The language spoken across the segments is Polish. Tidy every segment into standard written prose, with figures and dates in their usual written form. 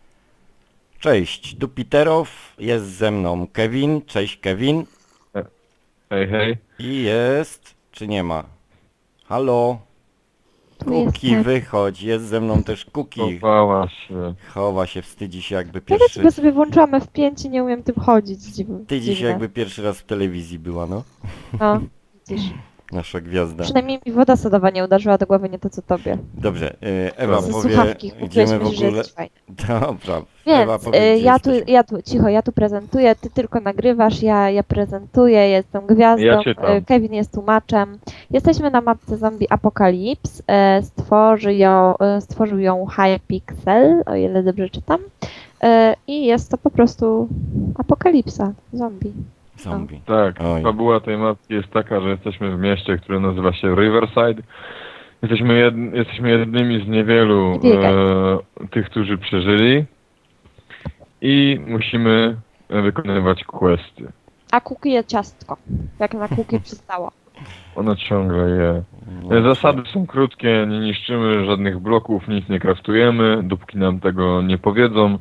Cześć, Dupiterow, jest ze mną Kevin, cześć Kevin. Hej, hej. I jest, czy nie ma? Halo? Tu Kuki, jestem. wychodź, jest ze mną też Kuki. Chowała się. Chowa się, wstydzi się jakby Czekajcie, pierwszy... bo sobie włączyłam F5 i nie umiem tym chodzić. Wstydzi się jakby pierwszy raz w telewizji była, no. No, widzisz. Nasza gwiazda. Przynajmniej mi woda sodowa nie uderzyła do głowy, nie to co tobie. Dobrze, Ewa Ze powie, słuchawki gdzie kupiłeś, my w myślisz, że ogóle... jesteś fajny. Dobra, Ewa Więc powie, gdzie jesteśmy. cicho, ja tu prezentuję, ty tylko nagrywasz, ja prezentuję, jestem gwiazdą, Ja czytam. Kevin jest tłumaczem. Jesteśmy na mapce Zombie Apocalypse, stworzył ją Hypixel, o ile dobrze czytam. I jest to po prostu apokalipsa, zombie. Zombie. Tak, Oj. fabuła tej mapki jest taka, że jesteśmy w mieście, które nazywa się Riverside. Jesteśmy jednymi z niewielu Nie biegaj. tych, którzy przeżyli. I musimy wykonywać questy. A Kuki je ciastko, jak na Kuki przystało. Ona ciągle je. No, Zasady są krótkie, nie niszczymy żadnych bloków, nic nie kraftujemy, dopóki nam tego nie powiedzą.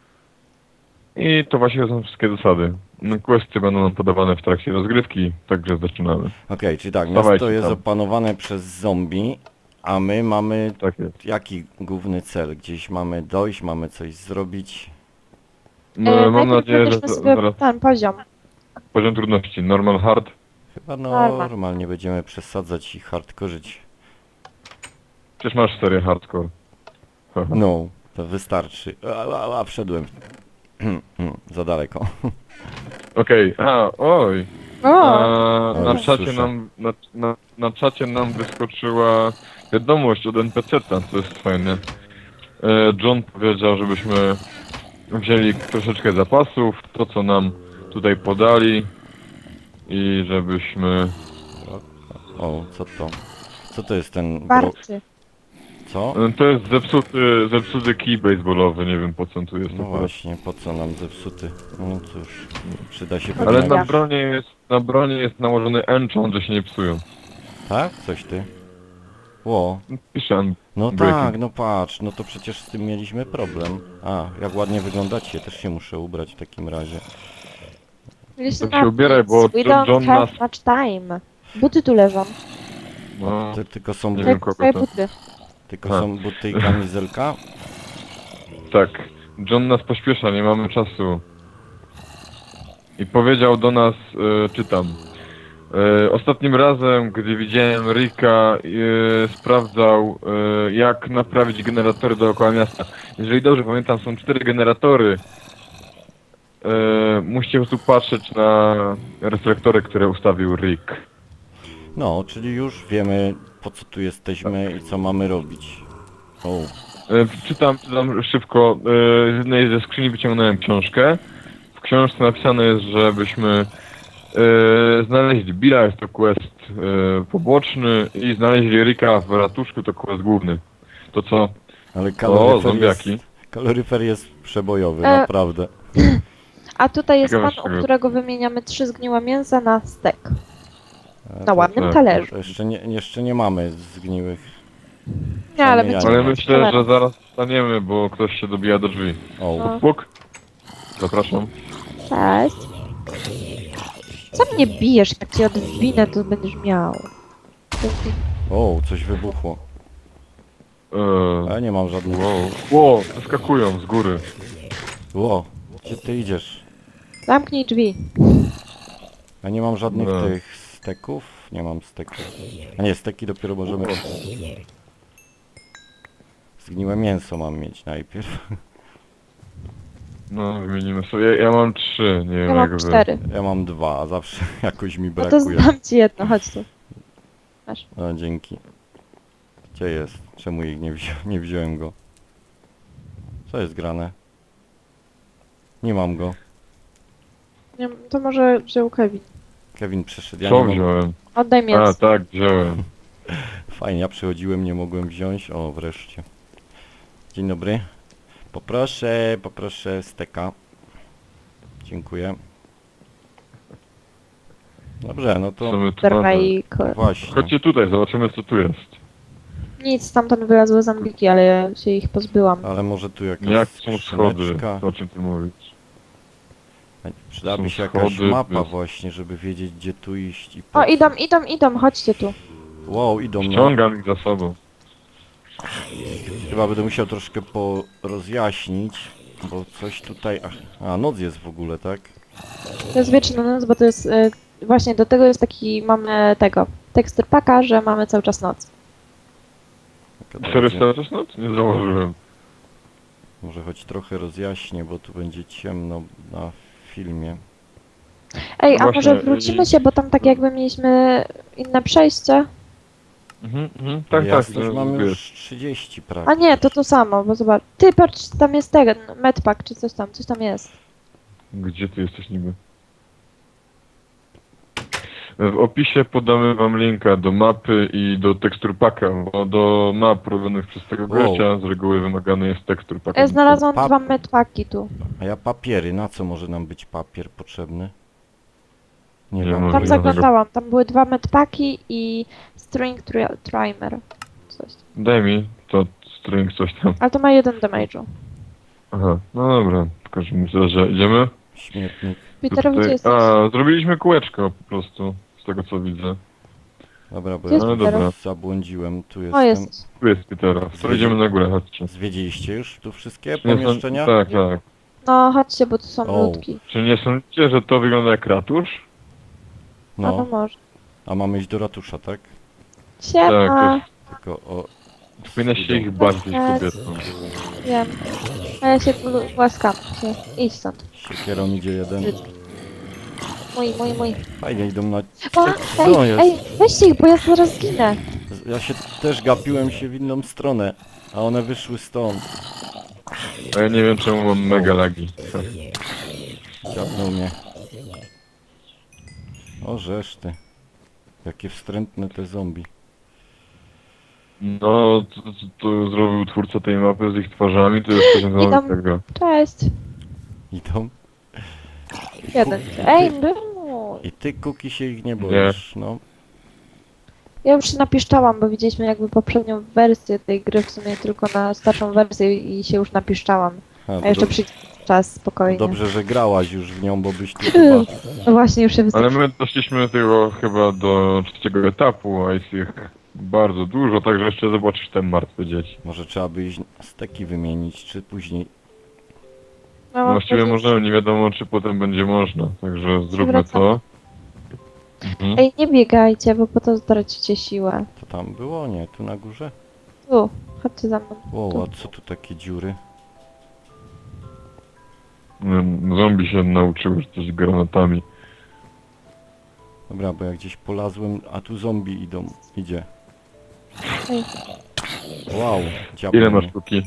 I to właśnie są wszystkie zasady. Questy będą nam podawane w trakcie rozgrywki, także zaczynamy. Okej, czyli tak, Dawajcie miasto jest tam. opanowane przez zombie, a my mamy Tak jest. jaki główny cel? Gdzieś mamy dojść, mamy coś zrobić. No, mam Najpierw nadzieję, że wybierzmy sobie zaraz ten poziom. poziom trudności normal hard. Chyba Normal. normalnie będziemy przesadzać i hardkorzyć. Przecież masz serię hardcore. Haha. No, to wystarczy. Wszedłem. Za daleko. Okej, oj. O, Na Oj, czacie słyszę. na czacie nam wyskoczyła wiadomość od NPC-ta, co jest fajne. John powiedział, żebyśmy wzięli troszeczkę zapasów, to co nam tutaj podali i żebyśmy... O, co to? Co to jest ten warczy. Co? To jest zepsuty kij baseballowy, nie wiem po co on tu jest No akurat. właśnie, po co nam zepsuty? No cóż, przyda się Ale pewnie. na bronie jest nałożony enchant, że się nie psują. Tak? Coś ty? Ło. Piszę. No Breaking. tak, no patrz, no to przecież z tym mieliśmy problem. A, jak ładnie wyglądacie, też się muszę ubrać w takim razie. Listen To się up, ubieraj, bo we don't John have nas... much time. Buty tu leżą. No, Tylko są, Nie bu- wiem, Tak, kogo twoje to. buty. tylko są buty i kamizelka? tak. John nas pośpiesza, nie mamy czasu. I powiedział do nas, czytam. Ostatnim razem, gdy widziałem Ricka, sprawdzał, jak naprawić generatory dookoła miasta. Jeżeli dobrze pamiętam, są 4 generatory. Musicie po prostu patrzeć na reflektory, które ustawił Rick. No, czyli już wiemy po co tu jesteśmy i co mamy robić. O, Czytam szybko. Z jednej ze skrzyni wyciągnąłem książkę. W książce napisane jest, żebyśmy znaleźli Billa, jest to quest poboczny, i znaleźli Ricka w ratuszku, to quest główny. To co? ale zombiaki. kaloryfer jest przebojowy, E, naprawdę. A tutaj jest Ciekawe, pan, czego- u którego wymieniamy 3 zgniłe mięsa na stek. A Na ładnym tak, talerzu. To jeszcze nie mamy zgniłych. Nie, ale Przynajmniej ja będziemy Ale nie. mieć myślę, że talerz. zaraz staniemy, bo ktoś się dobija do drzwi. O, No. Puk. Zapraszam. Cześć. Co mnie bijesz? Jak cię odwinę, to będziesz miał. o, coś wybuchło. A ja nie mam żadnych... Ło, wyskakują z góry. Ło, gdzie ty idziesz? Zamknij drzwi. Ja nie mam żadnych No. tych steków. Nie mam steków. A nie, steki dopiero możemy... Zgniłe mięso mam mieć najpierw. No, wymienimy sobie. Ja mam 3, nie wiem Ja jak mam wy. 4. Ja mam 2, a zawsze jakoś mi No to brakuje. znam ci jedno, chodź tu. Masz. No, dzięki. Gdzie jest? Czemu ich nie wziąłem go? Co jest grane? Nie mam go. Nie, to może wziął Kevin. Kevin przeszedł, ja Co nie mogłem. wziąłem? Oddaj A, mięso. tak, wziąłem. Fajnie, ja przychodziłem, nie mogłem wziąć. O, wreszcie. Dzień dobry. Poproszę steka. Dziękuję. Dobrze, no Co to my tu mamy? Drajko. właśnie. Chodźcie tutaj, zobaczymy co tu jest. Nic, stamtąd wylazły zombiki, ale ja się ich pozbyłam. Ale może tu jakaś Jak są schody? skrzyneczka. To o czym ty mówisz? Przydałaby Są się jakaś schody, mapa bez- właśnie, żeby wiedzieć gdzie tu iść i po O, co. idą, chodźcie tu. Wow, idą no. Ściągam ich za sobą. Chyba będę musiał troszkę porozjaśnić, bo coś tutaj... A, noc jest w ogóle, tak? To jest wieczna noc, bo to jest... właśnie do tego jest taki... mamy tego... tekstur paka, że mamy cały czas noc. Taka Serio będzie. cały czas noc? Nie założyłem. Może choć trochę rozjaśnię, bo tu będzie ciemno na filmie. Ej, a Właśnie, może wrócimy się, bo tam tak jakby mieliśmy inne przejście? Tak, Jasność tak. mamy wiesz. już 30 prawie. A nie, to samo, bo zobacz. Ty, patrz, tam jest ten medpack, czy coś tam jest. Gdzie ty jesteś niby? W opisie podamy wam linka do mapy i do tekstur paka, bo do map robionych przez tego Wow. gościa z reguły wymagany jest tekstur paka. Ja znalazłam Pap- 2 medpacki tu. A ja papiery, na co może nam być papier potrzebny? Nie Nie wiem. może Tam ja zaglądałam, tam były 2 medpacki i string trimer. Coś. Daj mi to string coś tam. Ale to ma 1 damage'u. Aha, no dobra. W każdym razie idziemy. Śmietnik. Peter, gdzie jesteś? A, zrobiliśmy kółeczko po prostu, z tego co widzę. Dobra, bo Gdzie jest ja Peter? zabłądziłem, tu O, jestem. jest. Tu jest Petera. To idziemy na górę, chodźcie. Zwiedziliście już tu wszystkie Nie są- pomieszczenia? Tak, tak. No, chodźcie, bo tu są O. ludki. Czy nie sądzicie, że to wygląda jak ratusz? A no No, może. a mamy iść do ratusza, tak? Siema, Tylko o... Powinna się ich bać, tych kobietą. wiem. A ja się tu łaskam. Idź stąd. Siekierą idzie jeden. Mój. Fajnie idą na... O, Co ej, jest? ej, weźcie ich, bo ja zaraz zginę. Ja się też gapiłem się w inną stronę, a one wyszły stąd. A ja nie wiem czemu mam mega lagi. Dziabnął mnie. O, żeż ty. Jakie wstrętne te zombie. No, to zrobił twórca tej mapy z ich twarzami, to jest Idą. poziom tego. Cześć. Idą. Jeden. Ej, no. I ty, Kuki, się ich nie boisz, no. Ja już się napiszczałam, bo widzieliśmy jakby poprzednią wersję tej gry, w sumie tylko na starszą wersję i się już napiszczałam. A jeszcze przyjdzie czas, spokojnie. Dobrze, że grałaś już w nią, bo byś tu chyba... No właśnie, już się Ale wystarczy. my doszliśmy tego chyba do trzeciego etapu, a jest ich bardzo dużo, także jeszcze zobaczysz te martwe dzieci. Może trzeba by iść steki wymienić, czy później... No, Właściwie możemy, nie wiadomo czy potem będzie można, także zróbmy wracamy. to. Mhm. Ej, nie biegajcie, bo po to stracicie siłę. To tam było? Nie, tu na górze? Tu, chodźcie za mną. Wow, a co tu takie dziury? Zombie się nauczyły rzucać granatami. Dobra, bo ja gdzieś polazłem, a tu zombie idą. Idzie. Ej. Wow, dziabnął Ile masz mnie. sztuki?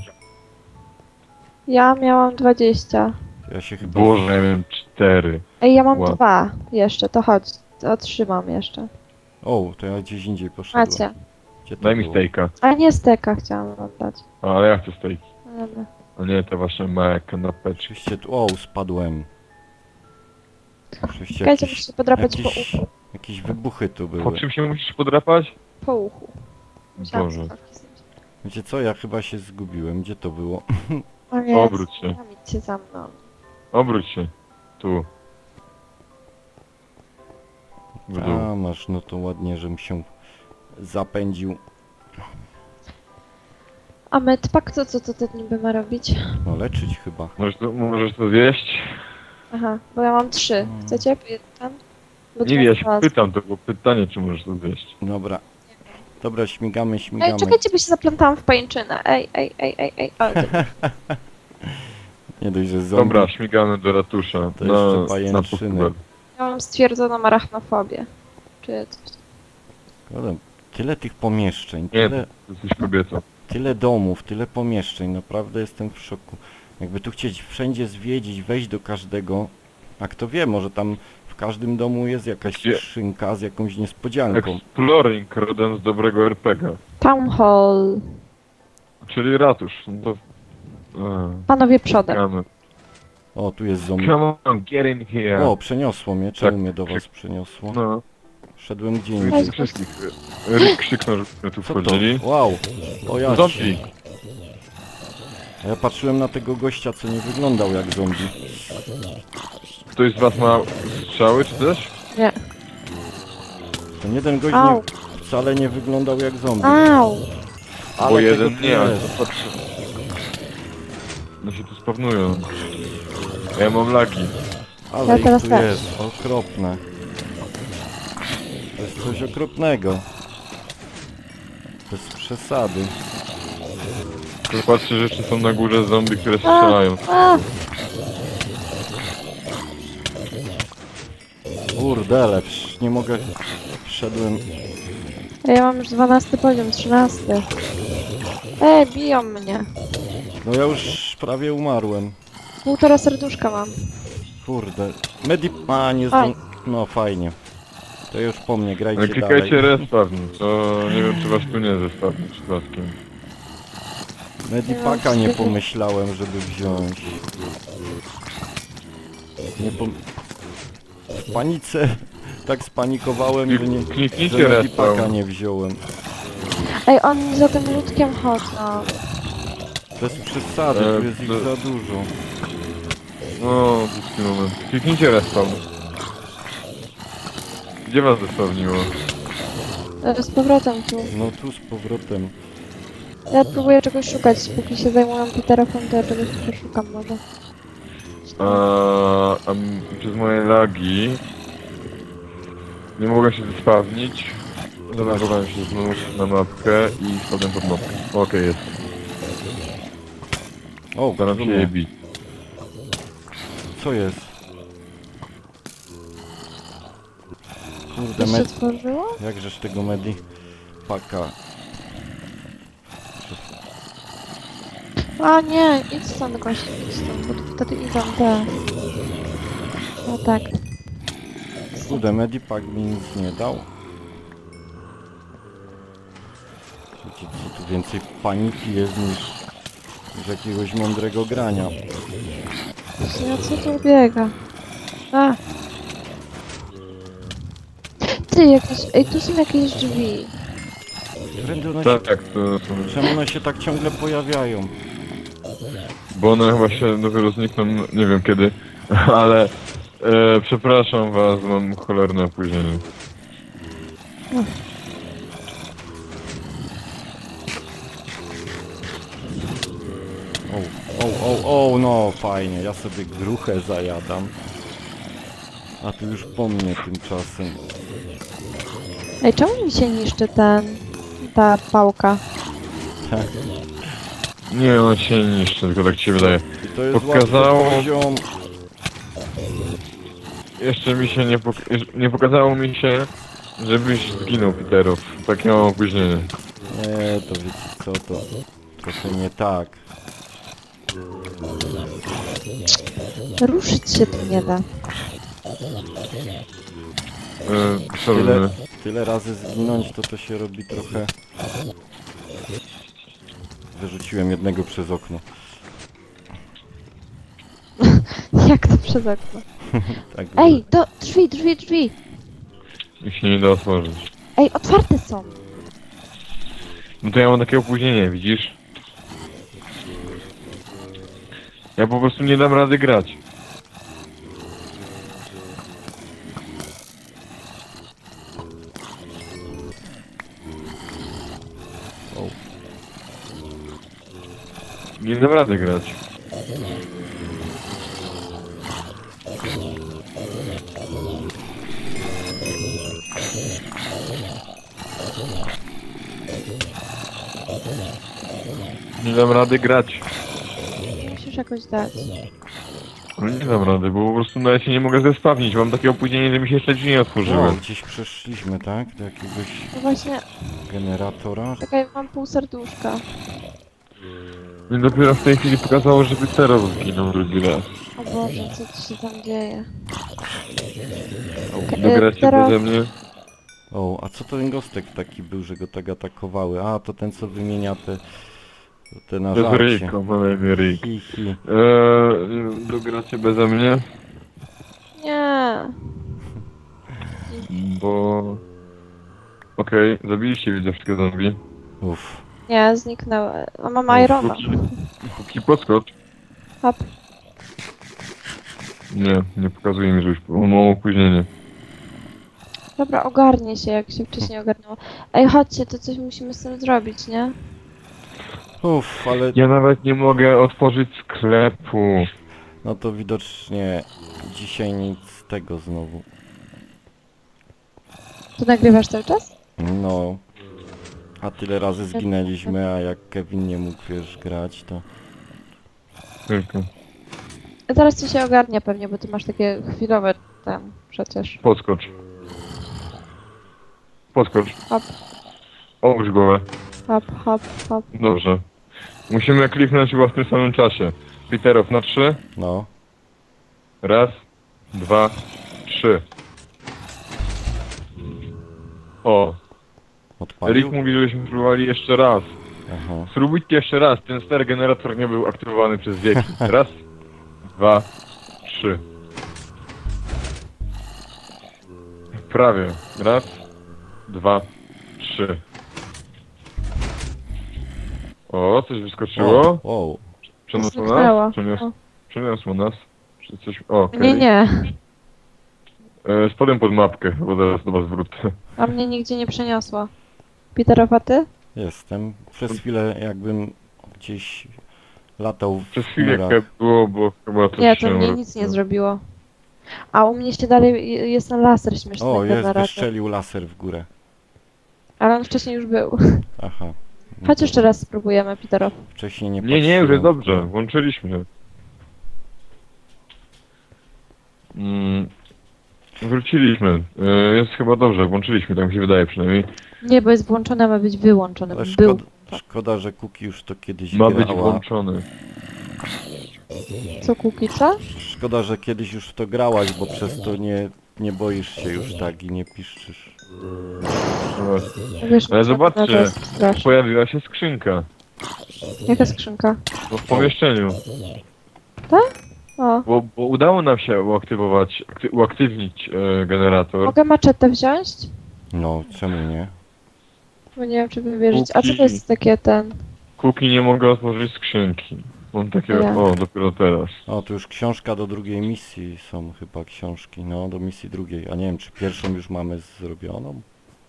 Ja miałam 20. Ja się chyba... Boże, ja miałem 4. Ej, ja mam Wow. 2 jeszcze, to chodź. To otrzymam jeszcze. O, to ja gdzieś indziej poszedłem. Macie. Gdzie to Daj mi było? stejka. Ale nie steka chciałam wam dać. Ale ja chcę stejki. No dobra. A nie, te właśnie małe kanapeczki. Oczywiście tu... O, spadłem. Oczywiście Czekajcie, muszę jakieś, się podrapać jakieś, po uchu. jakieś wybuchy tu Po były. czym się musisz podrapać? Po uchu. Musiałam Boże. sobie napisać. Wiecie co, ja chyba się zgubiłem. Gdzie to było? O Jezu, Obróć się. idźcie za mną. Obróć się. Tu. W dół. A, masz, no to ładnie, żem się zapędził. A medpack co to niby ma robić? No leczyć chyba. Możesz to zjeść? Aha, bo ja mam 3. Chcecie? Tam? Bo Nie dwa wiem, ja się znalazłam. pytam, to było pytanie, czy możesz to zjeść. Dobra. Dobra, śmigamy. Ej, czekajcie, bo się zaplątałam w pajęczynę. Ej. O, dobra. Nie dość, że zombie. Dobra, śmigamy do ratusza. To jeszcze pajęczyny. pochówek. Ja mam stwierdzoną arachnofobię. Czy coś. Ale tyle tych pomieszczeń, Nie, tyle, ty jesteś kobietą. tyle domów, tyle pomieszczeń. Naprawdę jestem w szoku. Jakby tu chcieć wszędzie zwiedzić, wejść do każdego. A kto wie, może tam w każdym domu jest jakaś Gdzie? skrzynka z jakąś niespodzianką. Exploring, rodem z dobrego RPG. Town Hall. Czyli ratusz. No to... Panowie przodem. Czekamy. O, tu jest zombie. Come on, get in here. O, przeniosło mnie. Czemu Tak, mnie do tak. was przeniosło? No, Wszedłem gdzie Weź. indziej. Wszystkich. Rick krzyknął, żeby tu Co to? wchodzili. Wow. O ja Zombie. A ja patrzyłem na tego gościa, co nie wyglądał jak zombie. Ktoś z was ma strzały czy też? Nie. Ten jeden gość Au. nie, wcale nie wyglądał jak zombie. Au! Ale Bo tego jeden tu nie, ale jest. to patrzę. No się tu spawnują. Ja mam lagi. Ale Ja ich teraz tu też. jest. Okropne. To jest coś okropnego. Bez przesady. Tu patrzę, że jeszcze są na górze zombie, które strzelają. A! Kurdele, nie mogę... Wszedłem... Ja mam już 12 poziom, 13. Ej, biją mnie. No ja już prawie umarłem. 1,5 serduszka mam. Kurde. A, nie Aj. No fajnie. To już po mnie, grajcie Ale dalej. klikajcie respawn, to nie wiem czy was tu nie zespawni przypadkiem. Medipaka nie pomyślałem, żeby wziąć. Nie pom... W panice tak spanikowałem, że nie... Kliknijcie Że Medipaka respawn. nie wziąłem. Ej, oni za tym ludkiem chodzą. Bez przesady, tu jest ich za dużo. No, bliski moment. Kliknijcie respawn. Gdzie was zespawniło? Z powrotem tu. No tu z powrotem. Ja próbuję czegoś szukać, póki się zajmują Peterofem, to ja czegoś poszukam może. Przez moje lagi nie mogę się zespawnić. Zalogowałem się znów na mapkę i spadłem pod mapkę. Okej, jest. O, Staram się je bić. co jest? Kurde, To się tworzyło? jakżeż tego Medipaka... A nie, idź stąd gościu, idź stąd, bo tu wtedy idą te... No tak. Kurde, Medipak mi nic nie dał. Wiecie co, tu więcej paniki jest niż jakiegoś mądrego grania. Ja co tu biega? A! Ty, jakieś... Ej, tu są jakieś drzwi. Prędzej one się... Tak, to są... Czemu one się tak ciągle pojawiają? Bo one chyba się dopiero znikną, nie wiem kiedy, ale przepraszam was, mam cholerne opóźnienie. O, no fajnie, ja sobie gruchę zajadam. A tu już po mnie tymczasem. Ej, czemu mi się niszczy ta pałka? Nie, on się nie niszczy, tylko tak ci się wydaje. I to jest Pokazało- łatwy poziom. Jeszcze mi się nie pokazało mi się, żebyś zginął, Peterów. Takie mam opóźnienie. Nie, to wiecie co, to trochę nie tak. Ruszyć się tu nie da. Co Tyle, robimy? tyle razy zginąć, to się robi trochę... Wyrzuciłem jednego przez okno. Jak to przez okno? Tak, Ej, drzwi! Ich się nie da otworzyć. Ej, otwarte są! No to ja mam takie opóźnienie, widzisz? Ja po prostu nie dam rady grać. O. Nie dam rady grać. Nie dam rady grać. Musisz jakoś dać. No nie dam rady, bo po prostu nawet się nie mogę zespawnić. Mam takie opóźnienie, że mi się jeszcze drzwi nie otworzyły. Wow, gdzieś przeszliśmy, tak? Do jakiegoś No właśnie, generatora. czekaj, mam pół serduszka. Mi dopiero w tej chwili pokazało, że Terror zginął drugi raz. O Boże, co tu się tam dzieje? Dogracie teraz- beze mnie? O, a co to ten gostek taki był, że go tak atakowały? A, to ten co wymienia te To jest nażarcie. Ryjko, mamy imię Ryjk. Hi. Dogracie beze mnie? Nie. Bo Okej, zabiliście widzę wszystkie zombie. Uff. Nie, zniknęły. A mam Irona. Kuki, podskocz. Hop. Nie pokazuje mi, że już mam opóźnienie. Dobra, ogarnie się, jak się wcześniej ogarnęło. Ej, chodźcie, to coś musimy z tym zrobić, nie? Uff, ale Ja nawet nie mogę otworzyć sklepu. no to widocznie dzisiaj nic z tego znowu. Tu nagrywasz cały czas? No. A tyle razy zginęliśmy, a jak Kevin nie mógł, wiesz, grać, to... Tylko. A zaraz ci się ogarnia pewnie, bo ty masz takie chwilowe tam przecież. Podskocz. Podskocz. Hop, Obróć głowę. hop, hop, hop. Dobrze. Musimy kliknąć chyba w tym samym czasie. Peterow na 3. No. Raz, 2, 3. O, Odpalił? Rick mówi, żebyśmy próbowali jeszcze raz. Aha. Spróbujcie jeszcze raz, ten stary generator nie był aktywowany przez wieki. Raz, 2, 3. Prawie. Raz, 2, 3. O, coś wyskoczyło. O, Przeniosło Zniknęło. nas? Przeniosło nas. Czy coś... O, okej. Nie, nie. Spodem pod mapkę, bo zaraz do was wrócę. A mnie nigdzie nie przeniosło. Peterow, a ty? jestem. Przez chwilę jakbym gdzieś latał w Przez chwilę chmurach. jak było, bo chyba coś Nie, to się mnie nic nie zrobiło. A u mnie się dalej jest ten laser śmieszny O, jest, generator. wystrzelił laser w górę. Ale on wcześniej już był. Aha. No Chodź to jeszcze raz spróbujemy, Peterow. Wcześniej nie Nie, już patrzyłem. jest dobrze, włączyliśmy. Wróciliśmy. Jest chyba dobrze, włączyliśmy, tak mi się wydaje przynajmniej. Nie, bo jest włączone, ma być wyłączone. Ale Był. szkoda, że Kuki już to kiedyś Ma być grała. włączony. Co, Kukica? Szkoda, że kiedyś już w to grałaś, bo przez to nie boisz się już tak i nie piszczysz. Wiesz, Ale co to zobaczcie, jest straszne. pojawiła się skrzynka. Jaka skrzynka? No, w pomieszczeniu. O, Bo udało nam się uaktywnić generator. mogę maczetę wziąć? No, czemu nie? Bo nie wiem, czy wybierzeć. A co to Kuki. jest takie ten... Kuki nie mogę otworzyć skrzynki. Mam takie, Ja. o, dopiero teraz. O, tu już książka do drugiej misji są chyba książki. No, do misji drugiej. A nie wiem, czy pierwszą już mamy zrobioną?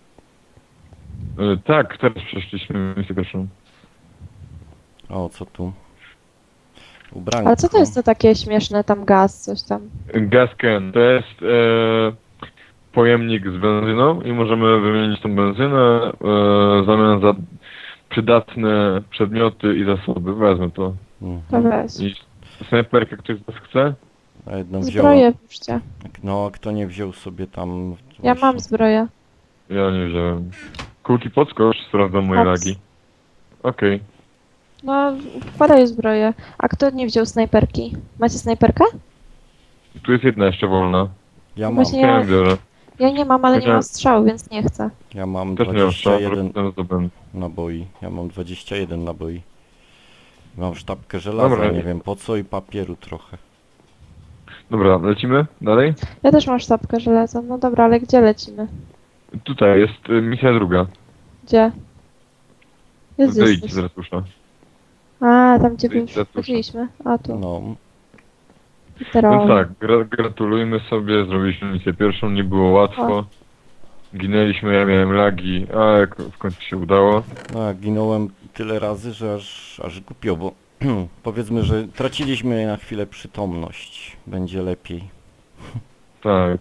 Tak, teraz przeszliśmy misję pierwszą. O, co tu? Ubranko. Ale co to jest to takie śmieszne, tam gaz, coś tam? Gasken to jest pojemnik z benzyną i możemy wymienić tą benzynę w zamian za przydatne przedmioty i zasoby. Wezmę to. To Mhm. weź. I snajperkę ktoś z was chce? A jedną wziąłem. Zbroję puszczę. No, a kto nie wziął sobie tam... Ja właśnie- mam zbroję. Ja nie wziąłem. Kulki podskocz, sprawdzam moje Hops. lagi. Okej. No, wkładaj zbroję. A kto nie wziął snajperki? Macie snajperkę? Tu jest jedna jeszcze wolna. Ja mam, Właśnie Ja ją biorę. Ja nie mam, ale nie Chociaż- mam strzału, więc nie chcę. ja mam Też nie mam strzału, 21 potem zdobędę. naboi. Ja mam 21 naboi. Mam sztabkę żelaza, Dobra. nie wiem po co i papieru trochę. Dobra, lecimy dalej? Ja też mam sztabkę żelaza. No dobra, ale gdzie lecimy? Tutaj jest misja druga. Gdzie? Jest Wyjdź gdzieś. z ratusza. A, tam gdzie Wyjdź z ratusza. wchodziliśmy. A tu. No, Peterow. Więc tak, gratulujmy sobie, zrobiliśmy misję pierwszą, nie było łatwo. Ginęliśmy, ja miałem lagi, ale w końcu się udało. no ja ginąłem tyle razy, że aż głupio, bo powiedzmy, że traciliśmy na chwilę przytomność. Będzie lepiej. Tak.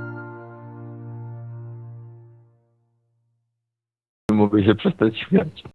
Mogę się przestać śmiać.